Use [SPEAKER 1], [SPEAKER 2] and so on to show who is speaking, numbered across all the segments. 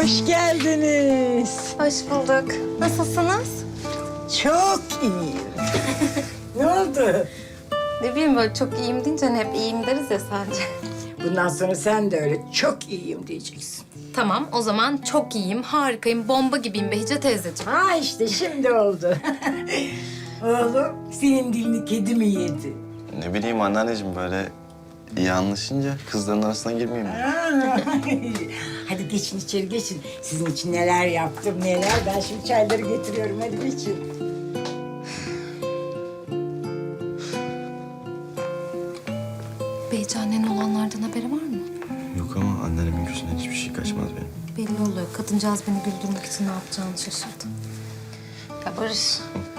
[SPEAKER 1] Hoş geldiniz.
[SPEAKER 2] Hoş bulduk. Nasılsınız?
[SPEAKER 1] Çok iyiyim. Ne oldu?
[SPEAKER 2] Ne bileyim böyle çok iyiyim deyince hani hep iyiyim deriz ya sadece.
[SPEAKER 1] Bundan sonra sen de öyle çok iyiyim diyeceksin.
[SPEAKER 2] Tamam o zaman çok iyiyim, harikayım, bomba gibiyim Behice teyzeciğim.
[SPEAKER 1] Ha işte şimdi oldu. Oğlum senin dilini kedi mi yedi?
[SPEAKER 3] Ne bileyim anneanneciğim böyle iyi anlaşınca kızların arasına girmeyeyim mi?
[SPEAKER 1] Aa, hadi geçin içeri geçin. Sizin için neler yaptım neler. Ben şimdi çayları getiriyorum hadi geçin.
[SPEAKER 2] Behice annenin olanlardan haberi var mı?
[SPEAKER 3] Yok ama anneannemin gözünden hiçbir şey kaçmaz benim.
[SPEAKER 2] Belli oluyor. Kadıncağız beni güldürmek için ne yapacağını şaşırdı. Ya Barış,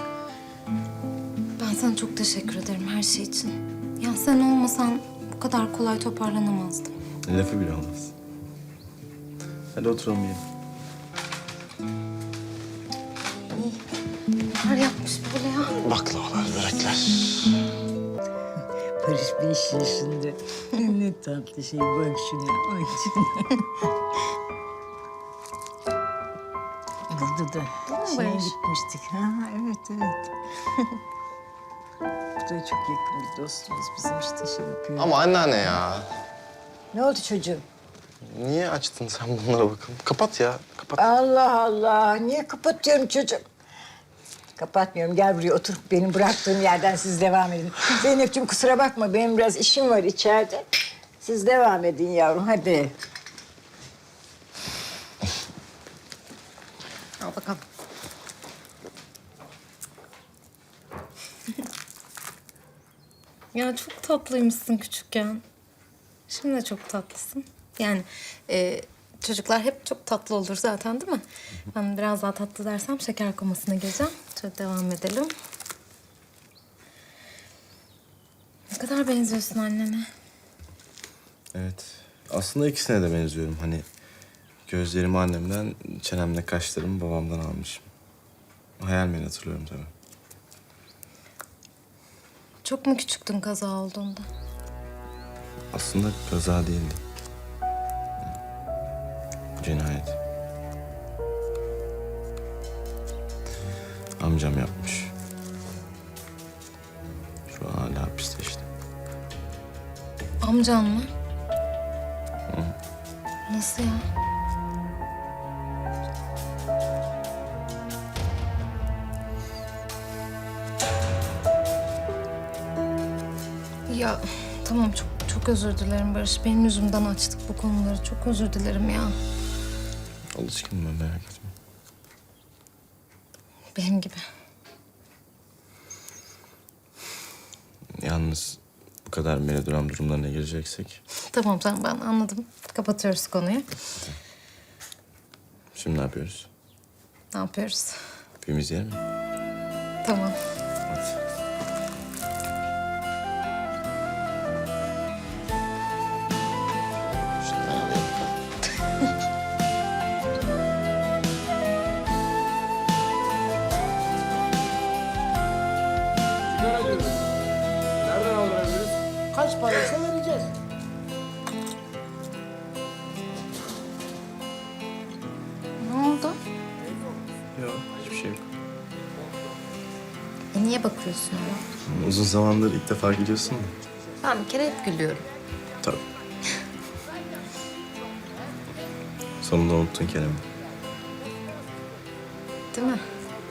[SPEAKER 2] ben sana çok teşekkür ederim her şey için. Ya sen olmasan bu kadar kolay toparlanamazdım.
[SPEAKER 3] Lafı bile olmaz. Hadi oturalım yiyelim.
[SPEAKER 2] Neler yapmış böyle ya?
[SPEAKER 3] Baklavalar, börekler.
[SPEAKER 1] Barış 5 yaşında. Ne tatlı şey bak şuna. Ay şuna. Burada da şeye
[SPEAKER 2] Barış?
[SPEAKER 1] gitmiştik. Ha evet evet. Bu da çok yakın bir dostumuz bizim işte şey yapıyor.
[SPEAKER 3] Ama anneanne ya.
[SPEAKER 1] Ne oldu çocuğum?
[SPEAKER 3] Niye açtın sen bunlara bakalım? Kapat ya, kapat.
[SPEAKER 1] Allah Allah. Niye kapatıyorum çocuğum? Kapatmıyorum. Gel buraya otur. Benim bıraktığım yerden siz devam edin. Zeynep'ciğim kusura bakma. Benim biraz işim var içeride. Siz devam edin yavrum. Hadi.
[SPEAKER 2] Al bakalım. Ya çok tatlıymışsın küçükken. Şimdi de çok tatlısın. Yani çocuklar hep çok tatlı olur zaten değil mi? Ben biraz daha tatlı dersem şeker komasına gireceğim. Şöyle devam edelim. Ne kadar benziyorsun annene.
[SPEAKER 3] Evet. Aslında ikisine de benziyorum. Hani gözlerimi annemden, çenemle kaşlarımı babamdan almışım. Hayal meyil hatırlıyorum tabii.
[SPEAKER 2] Çok mu küçüktün kaza olduğunda?
[SPEAKER 3] Aslında kaza değildi. Cinayet. Amcam yapmış. Şu an hala hapiste işte.
[SPEAKER 2] Amcan mı? Nasıl ya? Ya tamam çok özür dilerim Barış. Benim yüzümden açtık bu konuları. Çok özür dilerim ya.
[SPEAKER 3] Alışkınım ben, merak etme.
[SPEAKER 2] Benim gibi.
[SPEAKER 3] Yalnız bu kadar melodram durumlarına gireceksek...
[SPEAKER 2] Tamam ben anladım. Kapatıyoruz konuyu.
[SPEAKER 3] Şimdi ne yapıyoruz?
[SPEAKER 2] Ne yapıyoruz?
[SPEAKER 3] Film izleyelim mi?
[SPEAKER 2] Tamam.
[SPEAKER 3] Hadi. Şunları alayım bakalım.
[SPEAKER 4] Sigara diyoruz. Nereden aldırabiliriz?
[SPEAKER 1] Kaç paraysa vereceğiz.
[SPEAKER 2] Ne oldu?
[SPEAKER 3] Yok, hiçbir şey yok.
[SPEAKER 2] Niye bakıyorsun öyle?
[SPEAKER 3] Uzun zamandır ilk defa gidiyorsun da.
[SPEAKER 2] Ben bir kere hep gülüyorum.
[SPEAKER 3] Tabii. Sonunda unuttun Kerem'i.
[SPEAKER 2] Değil mi?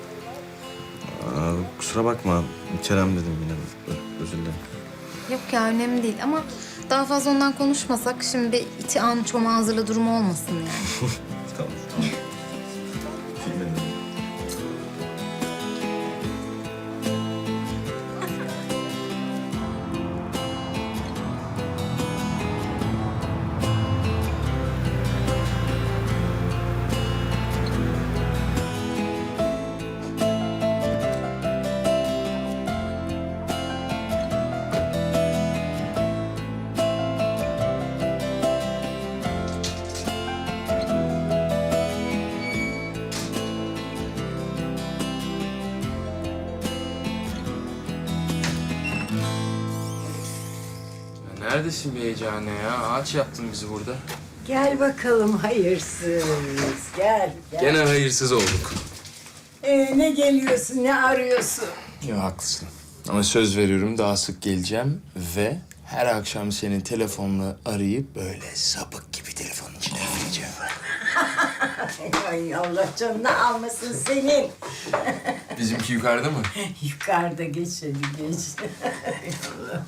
[SPEAKER 3] Kusura bakma. Kerem dedim yine. Özür dilerim.
[SPEAKER 2] Yok ya önemli değil ama daha fazla ondan konuşmasak şimdi bir iti an çoma hazırla durumu olmasın yani.
[SPEAKER 3] Tamam, tamam. Film edelim.
[SPEAKER 4] Neredesin be heyecane ya? Ağaç yaptın bizi burada.
[SPEAKER 1] Gel bakalım hayırsız. Gel.
[SPEAKER 4] Gene hayırsız olduk.
[SPEAKER 1] Ne geliyorsun, ne arıyorsun?
[SPEAKER 4] Ya haklısın. Ama söz veriyorum daha sık geleceğim ve her akşam seni telefonla arayıp böyle sapık gibi telefonun içine vereceğim.
[SPEAKER 1] Ay Allah canını almasın senin.
[SPEAKER 4] Bizimki yukarıda mı?
[SPEAKER 1] Yukarıda geç hadi geç. Ay Allah.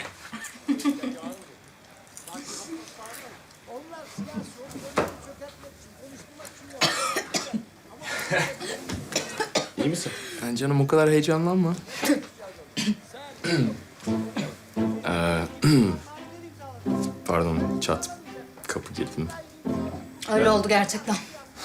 [SPEAKER 4] İyi misin? Yani canım o kadar heyecanlanma. Pardon çat. Kapı girdim.
[SPEAKER 2] Öyle oldu gerçekten.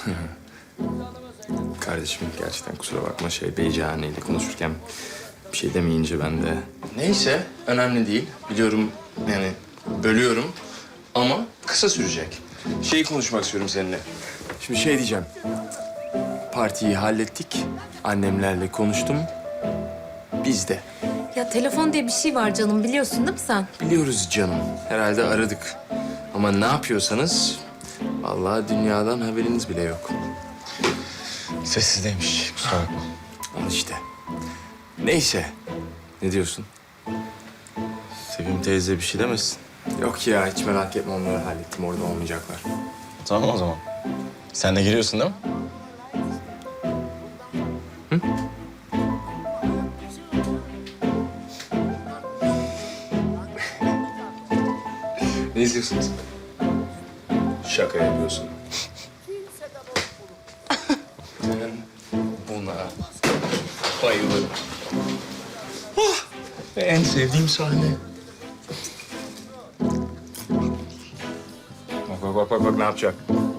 [SPEAKER 4] Kardeşim gerçekten kusura bakma Beycihane'yle konuşurken bir şey demeyince ben de... Neyse önemli değil. Biliyorum yani bölüyorum ama kısa sürecek. Şeyi konuşmak istiyorum seninle. Şimdi diyeceğim. Partiyi hallettik. Annemlerle konuştum. Biz de.
[SPEAKER 2] Ya telefon diye bir şey var canım, biliyorsun değil mi sen?
[SPEAKER 4] Biliyoruz canım. Herhalde aradık. Ama ne yapıyorsanız vallahi dünyadan haberiniz bile yok.
[SPEAKER 3] Sessizdeymiş. Kusura bakma.
[SPEAKER 4] Al işte. Neyse. Ne diyorsun?
[SPEAKER 3] Sevim teyze bir şey demesin.
[SPEAKER 4] Yok ya hiç merak etme onları hallettim. Orada olmayacaklar.
[SPEAKER 3] Tamam o zaman. Sen de giriyorsun değil mi?
[SPEAKER 4] Ne izliyorsunuz? Şaka yapıyorsun. Ben buna bayılırım. Oh, ve en sevdiğim sahne. Bak ne yapacak?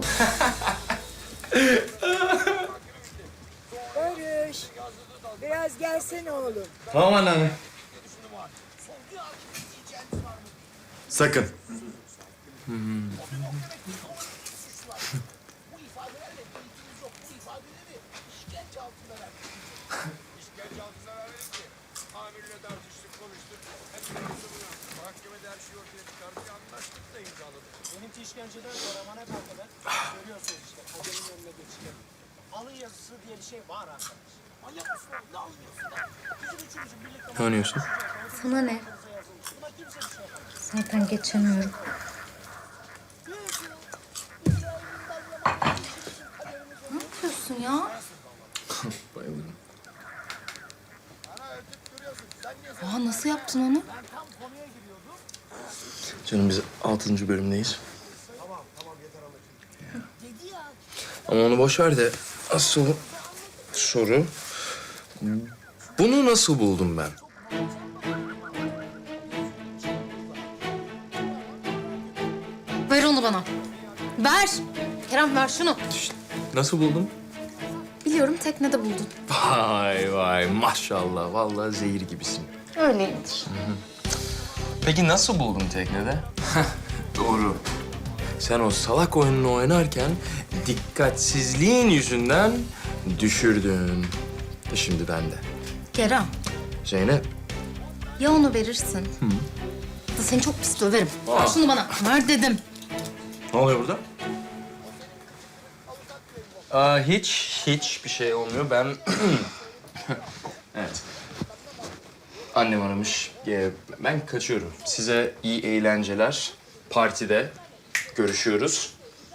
[SPEAKER 1] Barış, biraz gelsene oğlum.
[SPEAKER 3] Tamam anneanne.
[SPEAKER 4] Sakın.
[SPEAKER 5] Amirle tartıştık, konuştuk. Mahkemede her şeyi ortaya çıkardık, anlaştık da imzaladık.
[SPEAKER 6] Benimki işkenceden sonra bana kadar görüyorsunuz işte kaderin önüne geçiyor. Alın yazısı diye bir şey var arkadaş. Manyak mısın oğlum? Ne alıyorsun lan? Bizim üçümüzün birlikte
[SPEAKER 4] Ne oynuyorsun?
[SPEAKER 2] Sana ne?
[SPEAKER 6] buna kimse bir şey yapamaz.
[SPEAKER 2] Zaten geçemiyorum. Ne yapıyorsun ya?
[SPEAKER 4] Bayılırım.
[SPEAKER 2] Aa, nasıl yaptın onu?
[SPEAKER 4] Canım biz 6. bölümdeyiz. Ama onu boş ver de asıl soru... Bunu nasıl buldum ben?
[SPEAKER 2] Ver onu bana. Ver. Kerem ver şunu.
[SPEAKER 4] Nasıl buldum?
[SPEAKER 2] Biliyorum teknede buldun.
[SPEAKER 4] Vay maşallah. Vallahi zehir gibisin.
[SPEAKER 2] Öyleyimdir.
[SPEAKER 4] Peki nasıl buldun teknede? Doğru. Sen o salak oyununu oynarken dikkatsizliğin yüzünden düşürdün. Şimdi bende.
[SPEAKER 2] Kerem,
[SPEAKER 4] Zeynep.
[SPEAKER 2] ya onu verirsin. Da seni çok pis döverim. Ver şunu bana. Ver dedim.
[SPEAKER 3] Ne oluyor burada?
[SPEAKER 4] Hiç bir şey olmuyor. Ben... Evet. Annem aramış. Ben kaçıyorum. Size iyi eğlenceler. Partide görüşüyoruz.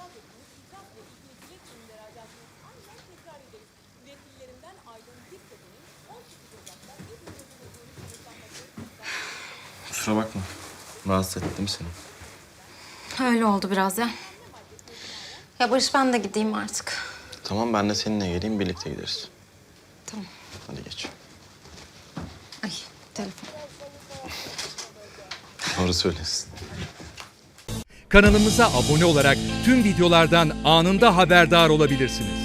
[SPEAKER 3] Kusura bakma. Rahatsız ettim seni.
[SPEAKER 2] Öyle oldu biraz ya. Ya Barış ben de gideyim artık.
[SPEAKER 3] Tamam ben de seninle geleyim birlikte gideriz.
[SPEAKER 2] Tamam.
[SPEAKER 3] Hadi geç.
[SPEAKER 2] Ay telefon.
[SPEAKER 3] Doğru söylesin.
[SPEAKER 7] Kanalımıza abone olarak tüm videolardan anında haberdar olabilirsiniz.